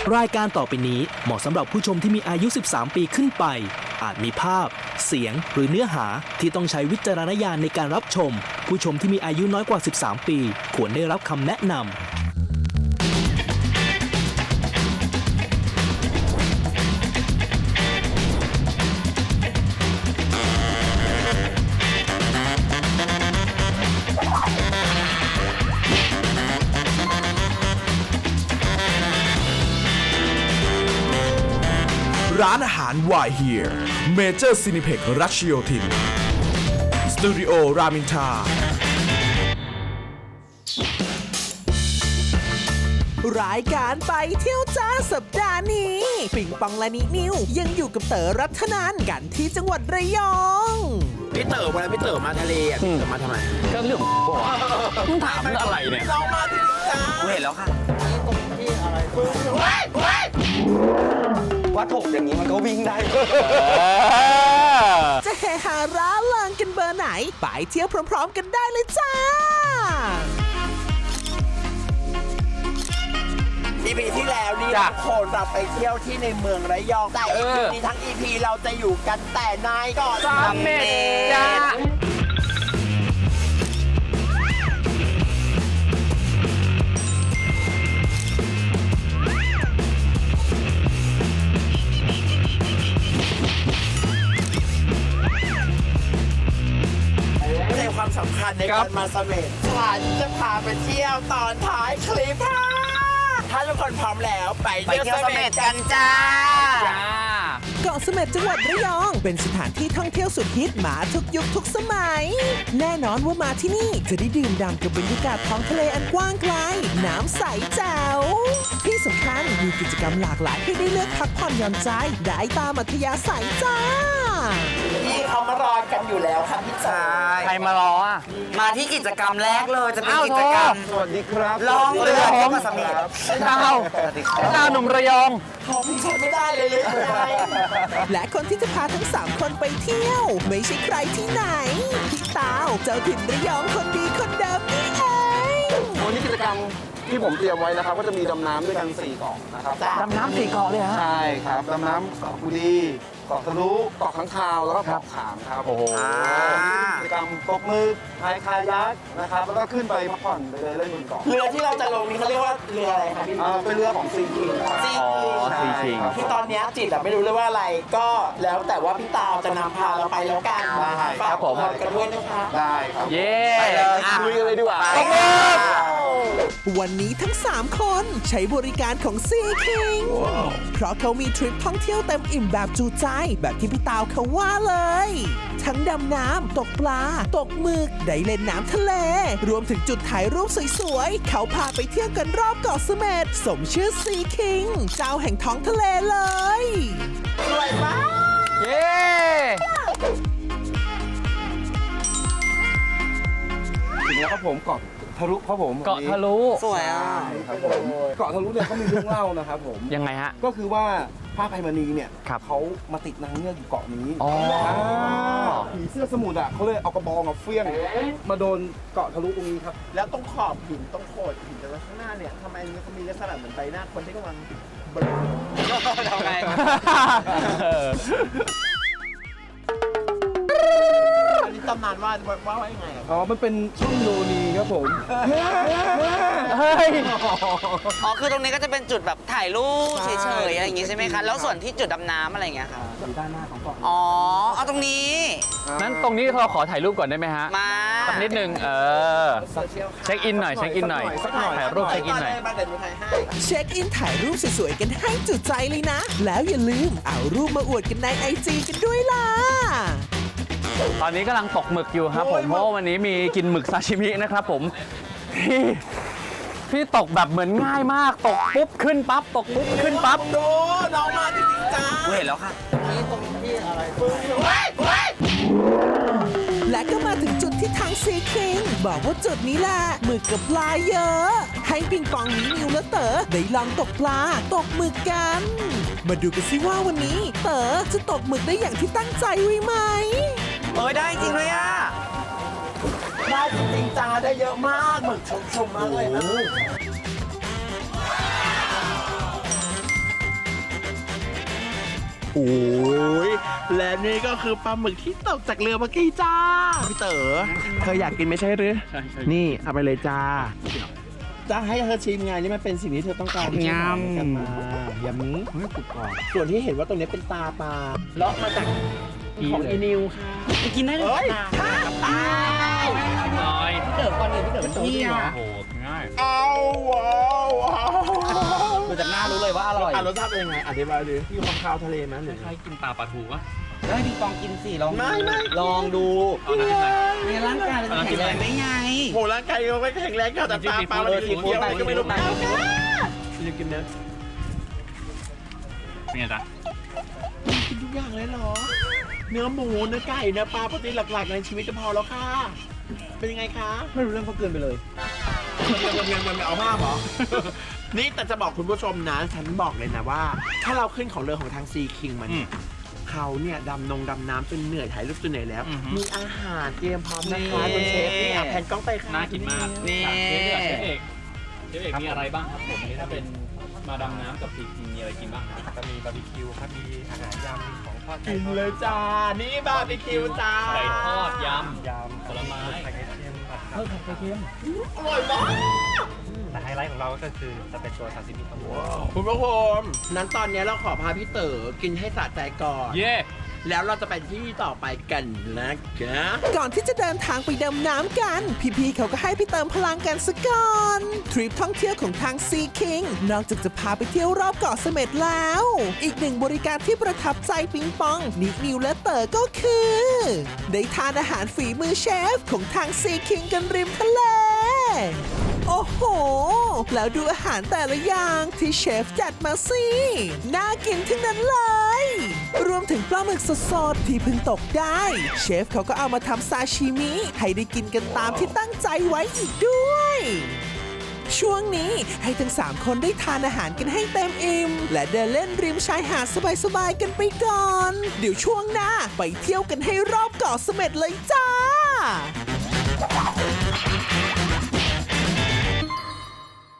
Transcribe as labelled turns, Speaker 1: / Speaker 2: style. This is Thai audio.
Speaker 1: รายการต่อไปนี้เหมาะสำหรับผู้ชมที่มีอายุ 13 ปีขึ้นไป อาจมีภาพ เสียง หรือเนื้อหาที่ต้องใช้วิจารณญาณในการรับชม ผู้ชมที่มีอายุน้อยกว่า 13 ปี ควรได้รับคำแนะนำ
Speaker 2: ร้านอาหาร Why Here Major Cineplex รัชโยธินสตูดิโอรามินทราร
Speaker 3: ายการไปเที่ยวจ้าสัปดาห์นี้ปิงปองและนินิวยังอยู่กับเต๋อรัตนันกันที่จังหวัดระยอง
Speaker 4: พี่เต๋อเวลาพี่เต๋อมาทะเลอ่ะพี่เต๋อมาทำไม
Speaker 5: ก็เรื่องของบอกมึงถามเรื่องอะไรเนี่ย
Speaker 4: เรามาที่นี่จ้าเห็นแล้วค่ะตรงที่อะไรว่าถกอย่างนี้มันก็วิ่งได้
Speaker 3: จะเฮฮาร่าเริงกันเบอร์ไหนไปเที่ยวพร้อมๆกันได้เลยจ้า
Speaker 4: EP ที่แล้วนี่ทุกคนเราไปเที่ยวที่ในเมืองระยองแต่EPนี้ทั้ง EP เราจะอยู่กันแต่ในเกาะเสม็ดจ้าความสำคัญในการมาเสม็ดฉันจะพาไปเที่ยวตอนท้ายคลิปค่ะถ้าทุกคนพร้อมแล้วไปเที่ยวเสม็ดกันจ้า
Speaker 3: เกาะเสม็ดจังหวัดระยองเป็นสถานที่ท่องเที่ยวสุดฮิตมาทุกยุคทุกสมัยแน่นอนว่ามาที่นี่จะได้ดื่มด่ำกับบรรยากาศท้องทะเลอันกว้างไกลน้ำใสแจ๋วที่สำคัญมีกิจกรรมหลากหลายให้ได้เลือกพักผ่อนหย่อนใจได้ตามอัธยาศัยจ้า
Speaker 4: พี่เขามารอกันอยู่แล้วค่ะพี่จ๋า
Speaker 5: ใครมารออ่ะ
Speaker 4: มาที่กิจกรรมแรกเลยจะเป็นกิจกรรม
Speaker 5: สวัสดีครับ
Speaker 4: ล่องเรือเที่ยวเกาะเสม็ด
Speaker 5: ดาวหนุ่มระยอง
Speaker 4: เขาพี่ใช้ไม่ได้เลย
Speaker 3: และคนที่จะพาทั้ง3คนไปเที่ยวไม่ใช่ใครที่ไหนพี่ตาวเจ้าถิ่นระยองคนดีคนเดิมนี่เอง
Speaker 6: วันนี้กิจกรรมที่ผมเตรียมไว้นะครับก็จะมีดำน้ำด้วยกัน4 เกาะนะครับ
Speaker 5: ดำน้ำ4 เกาะเลยฮะ
Speaker 6: ใช่ครับดำน้ำเกาะกูดีเกาะทะลุเกาะข้างคาวแล้วก็เกาะขามครับ
Speaker 5: โอ้โห
Speaker 6: กิจกรรมตกหมึกพายคายักนะครับแล้วก็ขึ้นไปพักผ่อนไปเล่นบนเกาะ
Speaker 4: เรือที่เราจะลงนี้เขาเรียกว่าเรืออะไรครับพี่
Speaker 6: เป็นเรือของซีคิง
Speaker 5: ซีคิง
Speaker 4: ที่ตอนนี้จิตไม่รู้เลยว่าอะไรก็แล้วแต่ว่าพี่ตาวจะนำพาเราไปแล้วกัน
Speaker 6: ฝาก
Speaker 5: ผม
Speaker 4: กันด้วยนะคะ
Speaker 6: ได้ครับ
Speaker 5: เย้
Speaker 6: คุยกันเลยดีกว่า
Speaker 3: วันนี้ทั้ง3คนใช้บริการของซีคิงเพราะเขามีทริปท่องเที่ยวเต็มอิ่มแบบจูใจแบบที่พี่ตาวเขาว่าเลยทั้งดำน้ำตกปลาตกหมึกได้เล่นน้ำทะเลรวมถึงจุดถ่ายรูปสวยๆเขาพาไปเที่ยวกันรอบเกาะเสม็ดสมชื่อซีคิงเจ้าแห่งท้องทะเลเลย
Speaker 4: สวยมาก
Speaker 5: เย้
Speaker 6: ถึงแล้วครับผมเกาะทะลุครับผม
Speaker 5: เกาะทะลุ
Speaker 4: สวยอ่ะ
Speaker 6: ครับผมเกาะทะลุเนี่ยเขามีเรื่องเล่านะครับผม
Speaker 5: ยังไงฮะ
Speaker 6: ก็คือว่าพระอภัยมณีเนี่ยเขามาติดนางเงือกอยู่เกาะนี้ผีเสื้อสมุทรอ่ะเขาเลยเอากระบองมาเฟี้ยงมาโดนเกาะทะลุตรงนี้ครับ
Speaker 4: แล้วตรงขอบหินตรงโขดหินแต่ว่าข้างหน้าเนี่ยทำไมเขามีลักษณะเหมือนใบหน้าคนที่กำลังทำไงอันนี้ตำนานว่ายังไง
Speaker 6: มันเป็นช่องโยนีครับผม
Speaker 7: คือตรงนี้ก็จะเป็นจุดแบบถ่ายรูปเฉยๆอะไรอย่างงี้ใช่ไหมคะแล้วส่วนที่จุดดำน้ำอะไรอย่างเงี้ยค่ะ
Speaker 6: อยู่ด้านหน้าของเกาะ
Speaker 7: เอาตรงนี้
Speaker 5: นั้นตรงนี้เราขอถ่ายรูปก่อนได้ไหมฮะ
Speaker 7: มา
Speaker 5: สักนิดนึงเช็คอินหน่อยถ่ายรูปเช็คอินหน่อย
Speaker 3: เช็คอินถ่ายรูปสวยๆกันให้จุใจเลยนะแล้วอย่าลืมเอารูปมาอวดกันใน IG กันด้วยล่ะ
Speaker 5: ตอนนี้กำลังตกหมึกอยู่ครับผมเพราะวันนี้มีกินหมึกซาชิมินะครับผมพี่ตกแบบเหมือนง่ายมากตกปุ๊บขึ้นปั๊บตกปุ๊บขึ้นปั๊บ
Speaker 4: ดูน้องมาจริงๆจ้า
Speaker 7: เห็นแล้วค่ะ
Speaker 4: นี่ตรงที่อะไร
Speaker 3: และก็มาถึงจุดที่ทางซีคิงบอกว่าจุดนี้แหละหมึกกับปลาเยอะให้ปิงปองนิวและเต๋อได้ลองตกปลาตกหมึกกันมาดูกันสิว่าวันนี้เต๋อจะตกหมึกได้อย่างที่ตั้งใจไว้ไหม
Speaker 7: ได้จริงเลยอ่ะ
Speaker 4: ได้จริงจ้าได้เยอะมากหมึกชุ่มๆมากเลยนะโอ้ยและนี่ก็คือปลาหมึกที่ตกจากเรือเมื่อกี้จ้า พี่เต๋อเธออยากกินไม่ใช่หรือ
Speaker 5: ใช่
Speaker 4: นี่เอาไปเลยจ้า จะให้เธอชิมไงนี่มันเป็นสิ่งที่เธอต้องการ
Speaker 5: ยำ
Speaker 4: ที่กันมายำนี้กรุบกรอบส่วนที่เห็นว่าตรงนี้เป็นตาปลาเลาะมาจากของอีนิวค่ะ
Speaker 7: กินได้เลย
Speaker 4: เฮ้ย
Speaker 7: ค่ะ
Speaker 5: น้อย
Speaker 7: พี่เต๋อก่อนอื่นพี่เต๋อเป็นพี่อ่ะ
Speaker 5: โอ้โหง่าย
Speaker 4: เอาว้าวว้าว
Speaker 7: ดูจากหน้ารู้เลยว่าอร่อย
Speaker 4: รสชาติเป็นยังไงอธิบายดิมีความคาวทะเลไหมหรือ
Speaker 5: คล้ายๆกินตาปลาทูปะ
Speaker 7: แล้วให้พี่ปองกินสิลอง
Speaker 4: ไม่
Speaker 7: ลองดู
Speaker 5: เอาน้ำจิ้มอะไร
Speaker 7: ในร่างกายเราจะแข็งแรงได้ไง
Speaker 4: โหร่างกายเราไม่แข็งแรงค่ะแต่ตาปลาเราสีเขียวอะไรก็ไม่รู้นะจะกินเนื้อ
Speaker 5: เป็นไงจ๊ะ
Speaker 4: กินทุกอย่างเลยเหรอ เนื้อหมูเนื้อไก่เนื้อปลาโปรตีนหลักๆในชีวิตจะพอแล้วค่ะ เป็นยังไงคะ
Speaker 6: ไม่รู้เรื่องเขาเกินไปเลย
Speaker 4: ยังเอาภาพเหรอ นี่แต่จะบอกคุณผู้ชมนะ ฉันบอกเลยนะว่า ถ้าเราขึ้นของเรือของทางซีคิงมันยเขาเนี่ยดำน้ำจนเหนื่อยถ่ายรูปจนเหนื่อยแล้ว มีอาหารเตรียมพร้อมนะคะคุณเชฟนี่แผ่นกล้องไปค่ะ
Speaker 5: น่ากินมาก
Speaker 7: นี่
Speaker 5: เชฟเอกมีอะไรบ้างครับผมอันนี้ถ้าเป็นมาดำน้ำกับซีพีมีอะไรกินบ้างครับ
Speaker 6: จะมีบาร์บีคิวครับ มีอาหารยำมีของทอด
Speaker 4: กินเลยจ้า นี่บาร์บีคิวจ้า
Speaker 5: ไก่ทอดย
Speaker 6: ยำ
Speaker 5: ผลไม้
Speaker 6: ไข่เค็มผัด
Speaker 5: เพิ่มผัดไข่เค็ม
Speaker 4: อร่อยมาก
Speaker 6: แต่ไฮไลท์ของเราก็คือจะเป็นตัวซาซิมิครับผม
Speaker 4: คุณผู้ชมนั้นตอนนี้เราขอพาพี่เต๋อกินให้สะใจก่อน
Speaker 5: เย่
Speaker 4: แล้วเราจะไปที่ต่อไปกันนะคะ
Speaker 3: ก่อนที่จะเดินทางไปดำน้ำกัน พี่ๆเขาก็ให้ไปเติมพลังกันซะก่อน ทริปท่องเที่ยวของทางซีคิงนอกจากจะพาไปเที่ยวรอบเกาะเสม็ดแล้ว อีกหนึ่งบริการที่ประทับใจปิงปอง นิกนิวและเต๋อก็คือ ได้ทานอาหารฝีมือเชฟของทางซีคิงกันริมทะเล โอ้โห แล้วดูอาหารแต่ละอย่างที่เชฟจัดมาสิ น่ากินทั้งนั้นเลย รวมถึงปลาหมึกสดๆที่เพิ่งตกได้ เชฟเขาก็เอามาทำซาชิมิ ให้ได้กินกันตามที่ตั้งใจไว้อีกด้วย ช่วงนี้ให้ทั้ง 3 คนได้ทานอาหารกันให้เต็มอิ่ม และเดินเล่นริมชายหาดสบายๆกันไปก่อน เดี๋ยวช่วงหน้าไปเที่ยวกันให้รอบเกาะเสม็ดเลยจ้า